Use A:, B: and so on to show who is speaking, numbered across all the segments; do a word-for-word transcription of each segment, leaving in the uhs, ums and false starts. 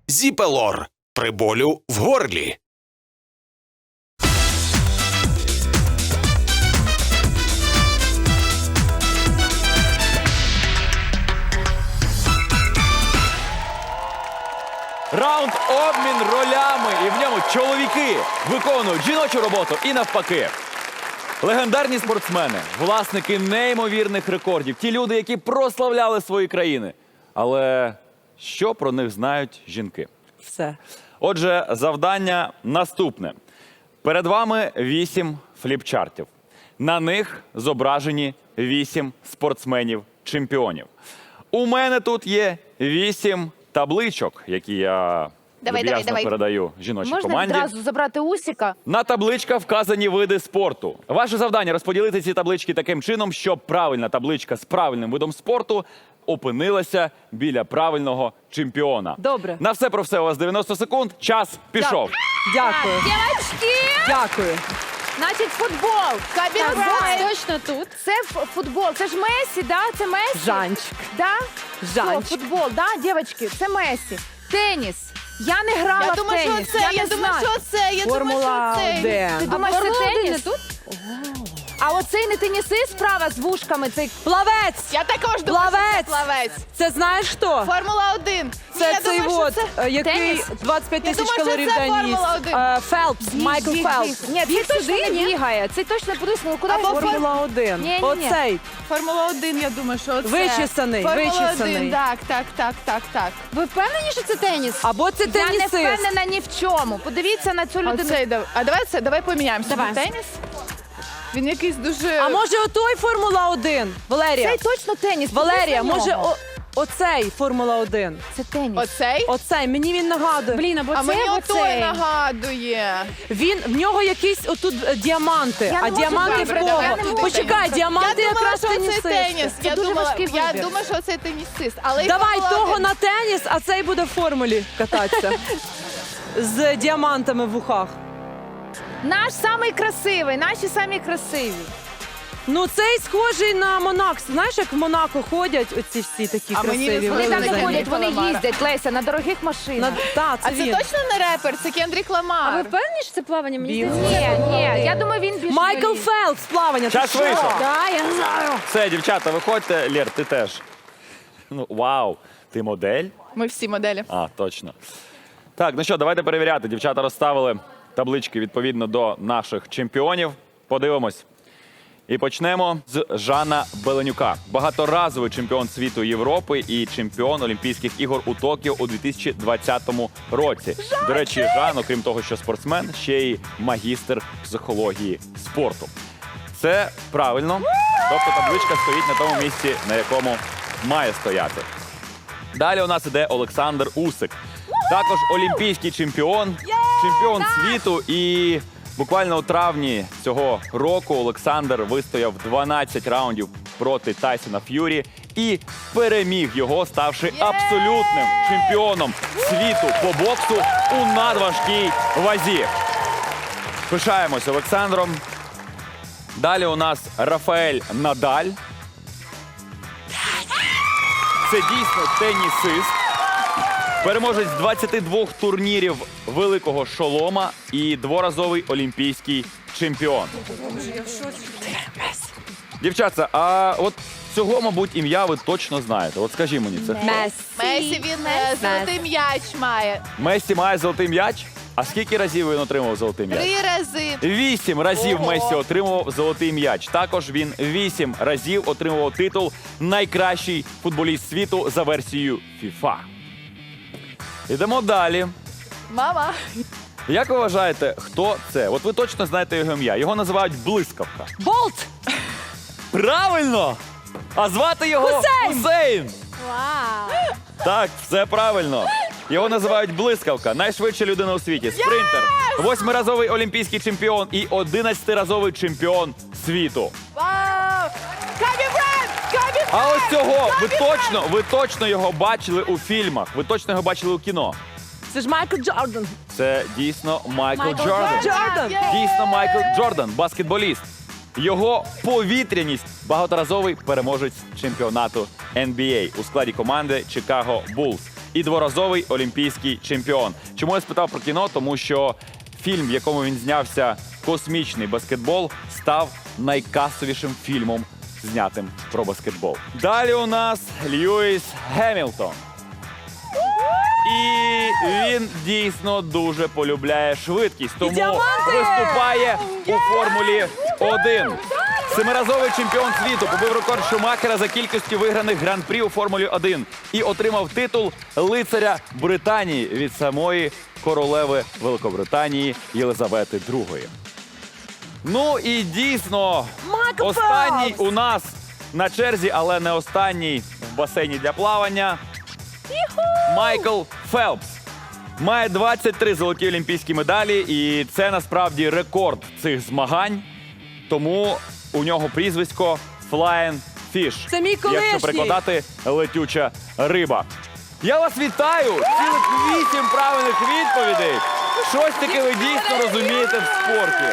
A: Зіпелор при болю в горлі.
B: Раунд обмін ролями, і в ньому чоловіки виконують жіночу роботу і навпаки. Легендарні спортсмени, власники неймовірних рекордів, ті люди, які прославляли свої країни. Але що про них знають жінки?
C: Все.
B: Отже, завдання наступне. Перед вами вісім фліпчартів. На них зображені вісім спортсменів-чемпіонів. У мене тут є вісім табличок, які я
D: Давай,
B: люб'язно
D: давай, давай.
B: передаю жіночій
D: Можна
B: команді.
D: одразу забрати Усіка?
B: На табличках вказані види спорту. Ваше завдання – розподілити ці таблички таким чином, щоб правильна табличка з правильним видом спорту опинилася біля правильного чемпіона.
C: Добре.
B: На все про все у вас дев'яносто секунд. Час пішов.
C: Дякую.
D: Дівчатки!
C: Дякую.
D: Значить, футбол. Кабін
E: Так, точно тут.
D: Це ф- футбол. Це ж Месі, да? Це Месі?
C: Жанчик.
D: Да?
C: Жанчик.
D: Що, футбол, да, дівчатки? Це Месі. Теніс. Я не грала
E: Я
D: в
E: думаю,
D: теніс.
E: що це, я
D: не
E: думаю,
D: знаю.
E: що це, я думаю,
C: Формула
E: що це.
D: Ти
C: один.
D: думаєш, це
E: Формула один
D: теніс?
E: не тут?
D: А оцей не тенісист справа з вушками, цей
C: Плавець.
E: Я також думаю, що це
C: Плавець.
E: плавець.
C: Це знаєш хто?
E: Формула один.
C: Це
E: я
C: цей
E: думаю,
C: от,
E: що це...
C: е, який
D: теніс.
C: двадцять п'ять
E: Я
C: тисяч
E: думаю, що
C: калорій
E: це
C: в день їсть.
E: Формула один.
C: Е, Фелпс, Майкл
D: Біг,
C: Фелпс.
D: біг. Ні, цей точно не бігає. Цей точно подивись, ну куди
E: Або
D: він формула.
C: Формула один.
D: Ні-ні-ні.
C: Оцей.
E: Формула один, я думаю, що це.
C: Вичесаний,
E: Формула
C: вичесаний.
E: один, так, так, так, так, так.
D: Ви впевнені, що це теніс?
C: Або це
D: Я не
C: тенісист.
D: впевнена ні в чому. Подивіться на цю людину.
E: Оцей, дав- а давай це, давай поміняємося.
D: Давай.
E: Теніс? Він якийсь дуже...
C: А може отой Формула один? Валерія.
D: Цей точно теніс.
C: Валерія,
D: Подивись на
C: може
D: нього.
C: о, оцей Формула один?
D: Це теніс.
E: Оцей?
C: Оцей, мені він нагадує.
D: Блін, або
E: А
D: це,
E: мені
D: або
E: отой
D: цей.
E: нагадує.
C: Він, в нього якісь отут е, діаманти.
D: Я не
C: А
D: можу
C: діаманти в
D: вибрати,
C: кого?
D: я не можу.
C: Почекай,
E: Я
C: діаманти
E: думала,
C: якраз
E: що це
C: тенісисти.
E: теніс.
D: Це
E: Я
D: дуже
E: думала,
D: важкий
E: я
D: вибір.
E: думаю, що це тенісист. Але й
C: Давай
E: Формула
C: того
E: один.
C: на теніс, а цей буде в формулі кататися. З діамантами в ухах.
D: Наш самий красивий, наші самі красиві.
C: Ну цей схожий на Монак. Знаєш, як в Монако ходять оці всі такі
E: А мені не
C: красиві.
D: Вони там не
E: Взагалі.
D: ходять, вони
E: Ламара.
D: їздять, Леся, на дорогих
C: На...
D: машинах.
C: Та, це
E: А це
C: він.
E: точно не репер, це Кендрік Ламар.
F: А ви впевнені, що це плавання? Мені
C: Біг.
F: здається,
D: Ні, ні, я думаю, він більше.
C: Майкл
D: боїться.
C: Фелпс, плавання.
B: Час
C: Ти що?
B: вийшов.
F: Да, я знаю.
B: Все, дівчата, виходьте. Лєр, ти теж. Ну, вау, ти модель?
E: Ми всі моделі.
B: А, точно. Так, ну що, давайте перевіряти. Дівчата розставили таблички відповідно до наших чемпіонів. Подивимось. І почнемо з Жана Беленюка. Багаторазовий чемпіон світу Європи і чемпіон Олімпійських ігор у Токіо у дві тисячі двадцятому році. До речі, Жан, окрім того, що спортсмен, ще й магістр психології спорту. Це правильно. Тобто табличка стоїть на тому місці, на якому має стояти. Далі у нас іде Олександр Усик. Також олімпійський чемпіон, чемпіон світу. І буквально у травні цього року Олександр вистояв дванадцять раундів проти Тайсона Ф'юрі і переміг його, ставши абсолютним чемпіоном світу по боксу у надважкій вазі. Пишаємось Олександром. Далі у нас Рафаель Надаль. Це дійсно тенісист. Переможець двадцяти двох турнірів великого шолома і дворазовий олімпійський чемпіон. Дівчатка, а от цього, мабуть, ім'я ви точно знаєте. От скажи мені, це хто?
C: Месі.
E: Месі, він е, золотий м'яч має.
B: Месі має золотий м'яч? А скільки разів він отримав золотий м'яч?
E: Три рази.
B: Вісім разів
E: Ого.
B: Месі отримував золотий м'яч. Також він вісім разів отримував титул найкращий футболіст світу за версією FIFA. Ідемо далі.
E: Мама.
B: Як ви вважаєте, хто це? От ви точно знаєте його ім'я. Його називають Блискавка.
C: Болт!
B: Правильно! А звати його
C: Хусейн!
B: Хусейн!
F: Вау.
B: Так, все правильно. Його називають Блискавка. Найшвидша людина у світі. Спринтер. Восьмиразовий олімпійський чемпіон і одинадцятиразовий чемпіон світу.
E: Вау! Кабі Брайант! Кабі
B: А ось цього ви точно, ви точно його бачили у фільмах. Ви точно його бачили у кіно.
C: Це ж Майкл Джордан.
B: Це дійсно Майкл,
F: Майкл
B: Джордан.
C: Джордан.
E: Є!
B: Дійсно Майкл Джордан, баскетболіст. Його повітряність – багаторазовий переможець чемпіонату ен бі ей у складі команди Chicago Bulls. і дворазовий олімпійський чемпіон. Чому я спитав про кіно? Тому що фільм, в якому він знявся, «Космічний баскетбол», став найкасовішим фільмом, знятим про баскетбол. Далі у нас Льюіс Гемілтон. І він дійсно дуже полюбляє швидкість, тому
C: діаманти!
B: виступає у Формулі один. Семиразовий чемпіон світу побив рекорд Шумахера за кількістю виграних гран-прі у Формулі один і отримав титул лицаря Британії від самої королеви Великобританії Єлизавети другої. Ну і дійсно,
C: Майкл
B: останній
C: Фелпс!
B: у нас на черзі, але не останній в басейні для плавання. Майкл Фелпс має двадцять три золоті олімпійські медалі, і це насправді рекорд цих змагань. Тому у нього прізвисько Flying Fish.
C: Це мій колишній.
B: Якщо перекладати летюча риба. Я вас вітаю! Цілих вісім правильних відповідей. Щось таке ви дійсно розумієте в спорті.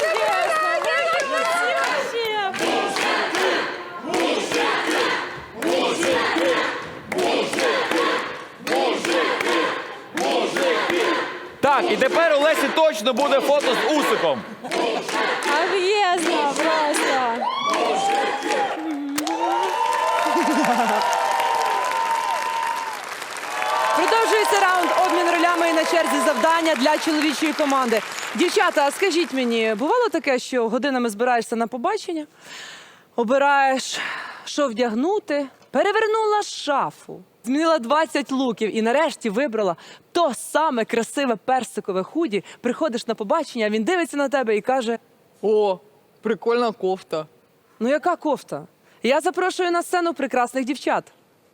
B: Так, і тепер у Лесі точно буде фото з Усиком.
F: Об'єзно просто.
C: Продовжується раунд обмін ролями і на черзі завдання для чоловічої команди. Дівчата, а скажіть мені, бувало таке, що годинами збираєшся на побачення, обираєш, що вдягнути, перевернула шафу, змінила двадцять луків і нарешті вибрала то саме красиве персикове худі, приходиш на побачення, а він дивиться на тебе і каже:
G: О, прикольна кофта.
C: ну яка кофта? Я запрошую на сцену прекрасних дівчат.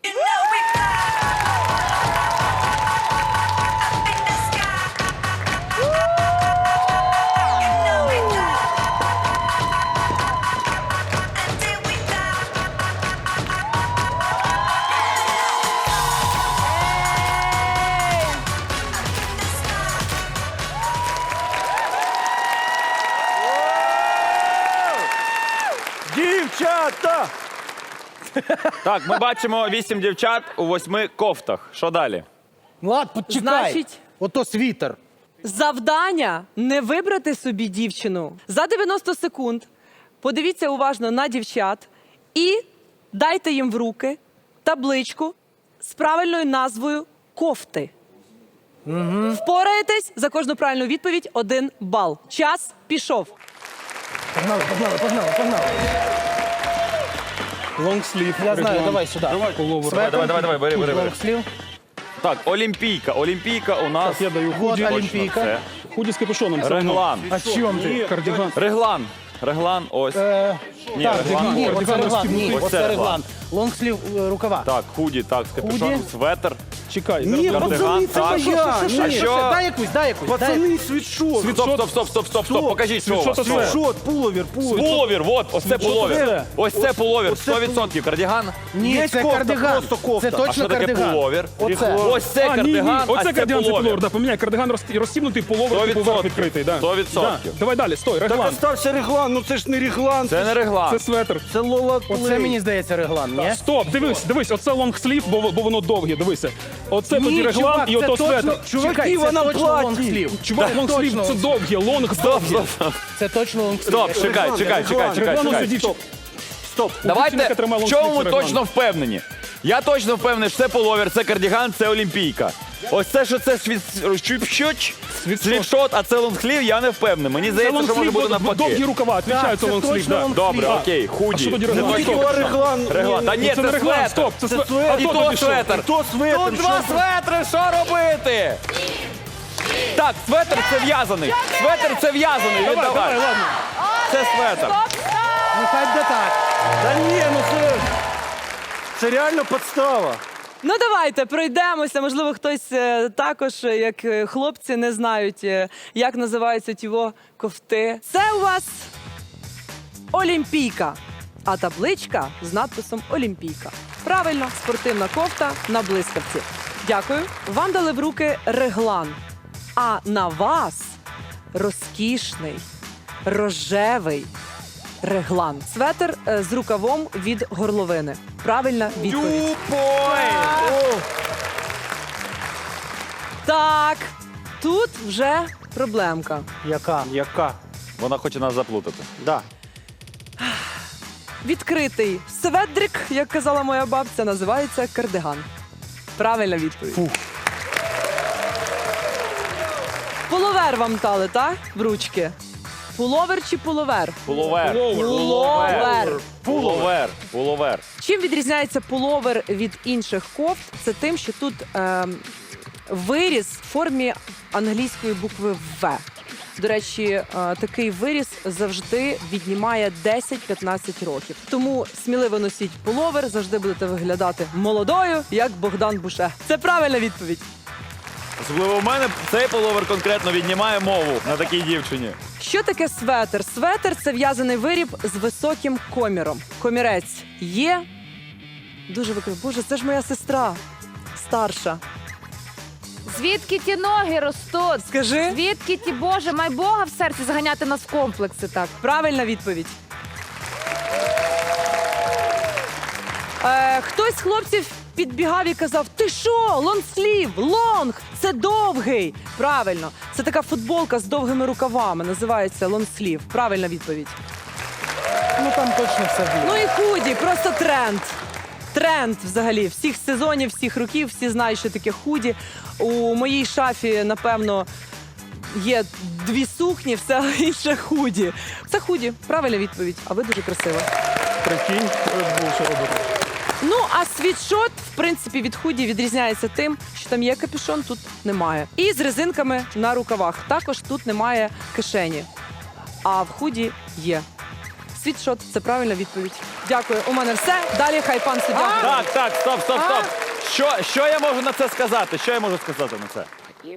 A: Дівчата!
B: Так, ми бачимо вісім дівчат у восьми кофтах. Що далі?
H: Влад, почекай.
C: Значить-
H: Ото світер.
C: Завдання не вибрати собі дівчину. За дев'яносто секунд подивіться уважно на дівчат і дайте їм в руки табличку з правильною назвою кофти. Угу. Впораєтесь за кожну правильну відповідь один бал. Час пішов.
H: Погнали, погнали, погнали, погнали.
G: Лонгслів.
H: Я знаю, давай сюди.
B: Давай, давай, давай, давай, бери, бери, бери.
H: Лонгслів.
B: Так, Олімпійка. Олімпійка у нас.
G: Я даю
H: Вот
G: худі.
H: Олімпійка.
B: Це
G: Худі з капюшоном. це воно.
B: реглан.
H: А з чим ти?
G: Кардіган.
B: Реглан. Реглан, ось.
H: Е,
B: Ні,
H: так,
B: реглан.
H: ні,
B: ось.
H: оце реглан, ні,
B: Ось це
H: оце
B: реглан.
H: реглан. Лонгслів е, рукава.
B: Так, худі, так, з капюшоном,
H: Худі.
B: светр.
G: Чекай.
H: Ні,
G: зараз-
B: кардиган,
H: пацани, це
B: так.
H: моя.
B: Що, що, що,
H: Ні,
B: що?
H: що? Дай якусь, дай якусь. дай якусь.
A: світшот!
B: Стоп, стоп, стоп, стоп, стоп, стоп. Покажіть, що у вас.
G: Світшот
B: що у вас.
G: це.
A: Світшот, пуловір, пуловір.
B: Пуловір, от, ось це пуловір.
A: це?
B: Ось це пуловір,
A: оце
B: сто відсотків кардиган.
H: Ні,
A: Є
H: це
A: кофта,
H: кардиган.
A: просто кофта.
H: Це
B: А
H: точно
B: що таке
H: кардиган.
B: пуловір?
H: Оце.
B: Ось це
G: А, ні, ні,
B: кардиган, а
G: оце
B: це
G: кардиган, це пуловер.
B: пуловір.
G: Да, поміняй, кардиган роз- розсібнутий, пуловер,
B: Сто
G: типу, верх
B: відсотків.
G: відкритий. Да.
B: Сто відсотків.
G: Да. Давай далі, стой,
A: Так
G: реглан.
A: остався реглан, ну це ж не реглан.
B: Це не реглан.
G: Це светр.
A: Це Лола
H: Оце
A: Плей.
H: мені здається реглан, ні?
G: Стоп, дивись, дивись, оце лонгслів, бо, бо воно довге, дивися. Оце тоді
H: Ні,
G: реглан
H: чувак,
G: і
H: це
G: ото
H: точно,
G: светр.
H: чуваки,
A: Чуваки,
H: це
A: вона
H: точно
A: платі.
H: лонгслів.
G: Чувак,
H: Це
G: лонгслів,
H: точно-
G: це довге, лонг
B: Стоп,
G: довге.
B: стоп, стоп.
H: Це точно лонгслів.
B: Стоп,
H: Я
B: чекай,
A: Реглан,
B: чекай, чекай,
A: реглан.
B: чекай,
G: Реглан ось
B: чекай.
G: у дівчат.
A: Стоп.
B: Давайте,
G: дівчинка тримала
B: в чому
G: лонгслів,
B: ви
G: це
B: точно впевнені? Я точно впевнений, що це пуловер, це кардіган, це олімпійка. Ось це, що це світ... щуп-щуч,
G: Світшот.
B: світшот, а це лонгслів, я не впевнений. Мені
G: Це
B: здається, що може
G: лонгслів,
B: бути
G: бо- довгі
B: навпаки.
G: рукава, відповідаю,
H: Так,
G: це
H: це
G: лонгслів,
H: точно
G: да.
H: лонгслів.
B: Добре,
G: А,
B: окей,
G: а
B: худі.
G: що тоді
B: Це
G: реглан?
B: точно
G: Стоп.
A: реглан.
B: Реглан. Та ні,
G: Це
B: це
G: не реглан,
B: светр.
G: стоп, це
A: Це
G: светр.
A: светр.
G: А
B: І
G: то
B: то
G: тобі що?
B: светр.
A: То светр.
B: Тут два светри, що робити? Так, светр це в'язаний. Светр це в'язаний.
G: Давай, давай,
B: Віддавай.
G: ладно.
B: Це светр.
H: Ну хай буде так.
A: Та ні, ну це... Це реально підстава.
C: Ну давайте пройдемося. Можливо, хтось е, також, е, як е, хлопці, не знають, е, як називаються тіво кофти. Це у вас Олімпійка, а табличка з надписом Олімпійка. Правильно, спортивна кофта на блискавці. Дякую. Вам дали в руки реглан, а на вас розкішний рожевий реглан. Светр е, з рукавом від горловини. Правильна відповідь.
B: Тюпой.
C: Так, тут вже проблемка.
H: Яка?
A: Яка?
B: Вона хоче нас заплутати.
A: Да.
C: Відкритий светрик, як казала моя бабця, називається кардиган. Правильна відповідь.
A: Фух.
C: Пуловер вам дали, так? В ручки. Пуловер чи пуловер?
B: Пуловер.
C: Пуловер.
B: Пуловер. Пуловер.
C: Чим відрізняється пуловер від інших кофт? Це тим, що тут ем, виріз в формі англійської букви В. До речі, е, такий виріз завжди віднімає десять-п'ятнадцять років. Тому сміливо носіть пуловер, завжди будете виглядати молодою, як Богдан Буше. Це правильна відповідь.
B: Особливо в мене цей пуловер конкретно віднімає мову на такій дівчині.
C: Що таке светр? Светр – це в'язаний виріб з високим коміром. Комірець є. Дуже викрив. Боже, це ж моя сестра. Старша.
D: Звідки ті ноги ростуть?
C: Скажи.
D: Звідки ті, Боже, май Бога в серці заганяти нас в комплекси так.
C: Правильна відповідь. Е, хтось з хлопців підбігав і казав: ти що, лонгслів, лонг, це довгий. Правильно, це така футболка з довгими рукавами, називається лонгслів. Правильна відповідь.
H: Ну там точно все вірно.
C: Ну і худі, просто тренд. Тренд взагалі всіх сезонів, всіх років, всі знають, що таке худі. У моїй шафі, напевно, є дві сукні, все інше худі. Це худі, правильна відповідь, а ви дуже красива.
A: Прикинь, Red Bull, що робити.
C: Ну, а світшот, в принципі, від худі відрізняється тим, що там є капюшон, тут немає. І з резинками на рукавах. Також тут немає кишені. А в худі є. Світшот – це правильна відповідь. Дякую. У мене все. Далі хай пан суддя.
B: Так, так, стоп, стоп, стоп. Що, що я можу на це сказати? Що я можу сказати на це?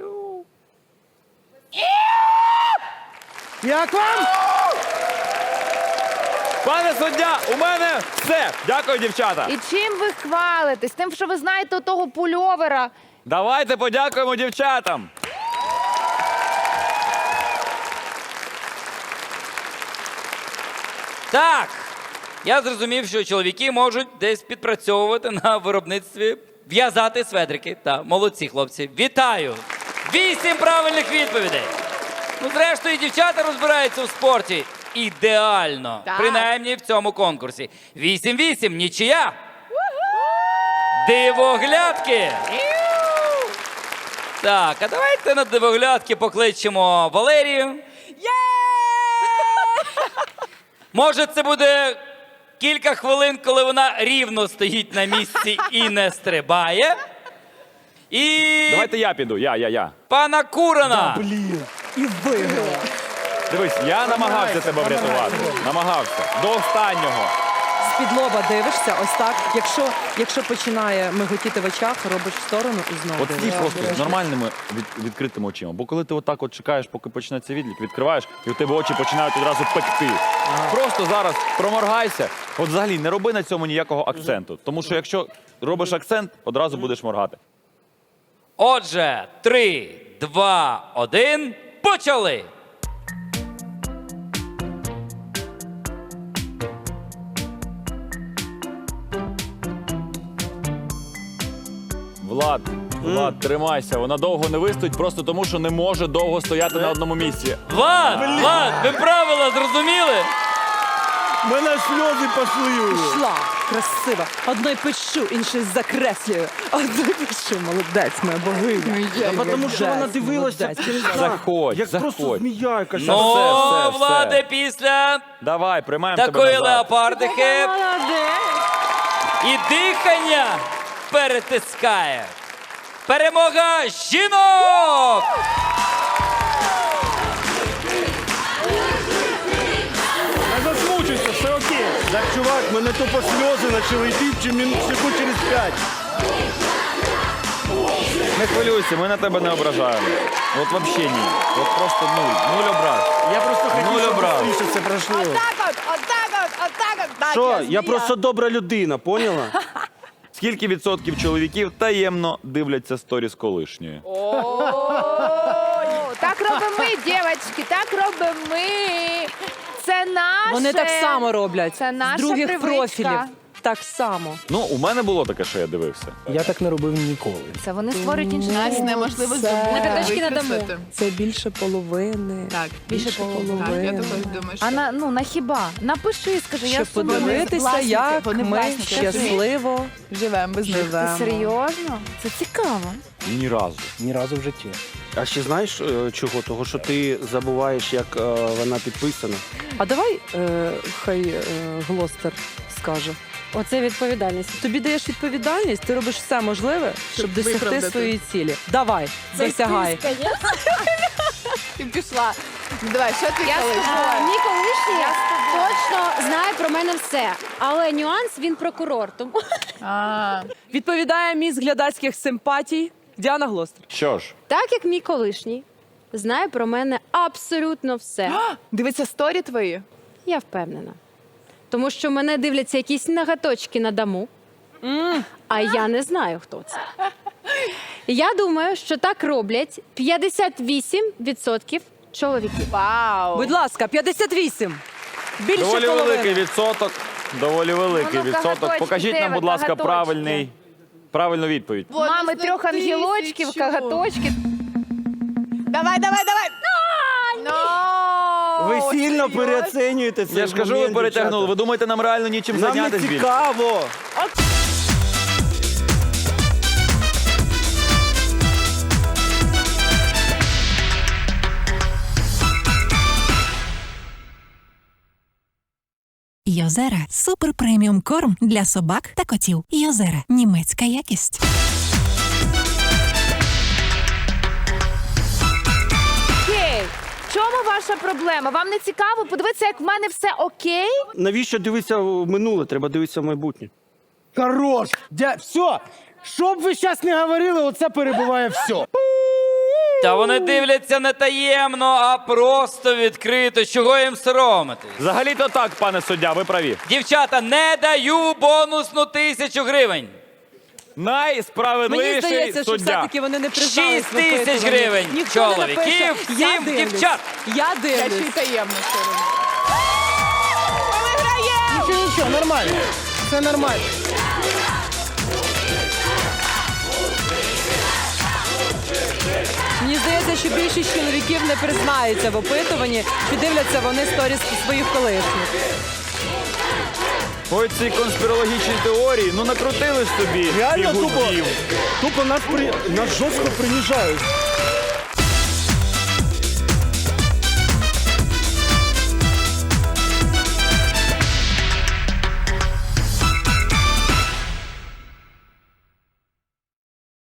H: Як вам?
B: Пане суддя, у мене все. Дякую, дівчата.
D: І чим ви хвалитесь? Тим, що ви знаєте того пульовера.
B: Давайте подякуємо дівчатам.
I: Так, я зрозумів, що чоловіки можуть десь підпрацьовувати на виробництві, в'язати сведрики. Та, молодці, хлопці. Вітаю! Вісім правильних відповідей. Ну, зрештою, дівчата розбираються у спорті. Ідеально.
E: Так.
I: Принаймні в цьому конкурсі. Вісім-вісім, нічия. Дивоглядки. Так, а давайте на дивоглядки покличемо Валерію. Може, це буде кілька хвилин, коли вона рівно стоїть на місці і не стрибає. І
B: Давайте я піду, я, я, я.
I: пана Курана.
H: Блін. І виграла.
B: Дивись, я намагався тебе врятувати. Намагався. До останнього.
C: З-під лоба дивишся, ось так. Якщо, якщо починає миготіти в очах, робиш в сторону і знову
B: От стій
C: дивишся.
B: просто з нормальними від, відкритими очима. Бо коли ти отак от чекаєш, поки почнеться відлік, відкриваєш, і у тебе очі починають одразу пекти. Просто зараз проморгайся. От взагалі не роби на цьому ніякого акценту. Тому що якщо робиш акцент, одразу будеш моргати.
I: Отже, три, два, один, почали!
B: Влад, Влад, тримайся. Вона довго не вистоїть, просто тому, що не може довго стояти на одному місці.
I: Влад, Влад, ви правила зрозуміли?
A: У мене сльози пішли.
C: Пішла, красива. Одної пишу, іншої закреслюю. Одної пишу, молодець, моя богиня.
A: А тому що вона
C: Молодець,
A: дивилася
C: молодець.
A: через дах.
B: Заходь,
A: Як просто
B: заходь.
A: змія якась.
I: Ну,
B: все, все.
I: Владе, після
B: Давай, приймаємо тебе
I: такої
B: назад.
I: леопардики і дихання перетискає. Перемога жінок!
A: Не засмучуйся, все окей. Так, чувак, мене тупо сльози почали йти чи минут секунд через п'ять.
B: Не хвилюйся, ми на тебе не ображаємо. От взагалі ні. От просто нуль. Нуль образ.
A: Я просто хотів,
B: Нуль
A: щоб
B: образ.
A: швидше це пройшло.
E: Так от, отак от, отак от. Так,
A: Що? Я
E: змія.
A: просто добра людина, поняла?
B: Скільки відсотків чоловіків таємно дивляться сторіс колишньої?
D: О, так робимо ми, дівчатки, так робимо ми. Це наше.
C: Вони так само роблять.
D: Це наша
C: з других
D: привичка.
C: профілів. так само.
B: Ну, у мене було таке, що я дивився.
H: Я так не робив ніколи.
D: Це вони створюють інші.
E: Нас неможливо
C: Це-
E: здобути.
F: На п'ятачки надамо.
E: викреслити.
C: Це більше половини.
E: Так,
C: Більше половини.
E: Так, я також думаю, що...
D: А на, ну, на хіба? Напиши, скажи, я
C: Щоб
D: сумую.
C: подивитися,
E: власники,
C: як
E: вони
C: ми
E: власники,
C: щасливо
E: Живемо без них.
C: живемо.
D: Ти серйозно? Це цікаво.
B: Ні разу.
H: Ні разу в житті.
A: А ще знаєш е, чого? Того, що ти забуваєш, як е, вона підписана.
C: А давай е, хай е, Глостер скаже.
F: Оце відповідальність.
C: Тобі даєш відповідальність, ти робиш все можливе, щоб досягти
E: виправдати.
C: своєї цілі. Давай, досягай.
E: Ти пішла. Ну, давай, що ти
F: Я
E: колись?
F: а, мій колишній точно знає про мене все. Але нюанс, він прокурор. Тому
E: А,
C: Відповідає міс глядацьких симпатій Діана Глостер.
B: Що ж,
F: так як мій колишній знає про мене абсолютно все.
E: дивиться сторі твої?
F: Я впевнена. Тому що мене дивляться якісь нагаточки на даму, а я не знаю, хто це. Я думаю, що так роблять п'ятдесят вісім відсотків чоловіків.
E: Вау!
C: Будь ласка, п'ятдесят вісім. Більше
B: доволі
C: половини.
B: великий відсоток. Доволі великий
D: Воно
B: відсоток.
D: кагаточки,
B: Покажіть нам,
D: де
B: будь
D: ви,
B: ласка,
D: кагаточки?
B: правильний, правильну відповідь.
D: Мами
E: Бонус
D: трьох
E: на
D: ангелочків,
E: тисячу.
D: кагаточки.
E: Давай, давай, давай! Ну,
A: Ви сильно
E: серйозно?
A: переоцінюєте це.
B: Я ж кажу, ви перетягнули. Ви думаєте, нам реально нічим
A: Нам не
B: зайнятися більше?
A: цікаво.
J: Йозера – супер преміум корм для собак та котів. Йозера – німецька якість.
D: Окей. В чому ваша проблема? Вам не цікаво подивитися, як в мене все окей?
A: Навіщо дивитися в минуле? Треба дивитися в майбутнє.
H: Хорош! Дя... Все! Що б ви зараз не говорили, оце перебуває все.
I: Та вони дивляться не таємно, а просто відкрито. Чого їм соромитись?
B: Взагалі-то так, пане суддя, ви праві.
I: Дівчата, не даю бонусну тисячу гривень.
C: Мені
B: Найсправедливіший
C: здається, що
B: суддя.
C: все-таки вони не признались.
I: Шість тисяч
C: випитування.
I: гривень.
C: Ніхто не
I: Чоловіків,
C: напише, я
I: сім
C: дивлюсь.
I: дівчат.
C: Я
E: Я ще й
C: дивлюсь.
E: таємно все роблю.
H: Нічого, нічого, нормально. Все нормально.
C: Мені здається, що більшість чоловіків не признаються в опитуванні, чи дивляться вони сторіс своїх колишніх.
B: Ой, ці конспірологічні теорії, ну накрутили ж собі
A: Реально тупо,
B: фігурків.
A: тупо нас, при... нас жорстко принижають.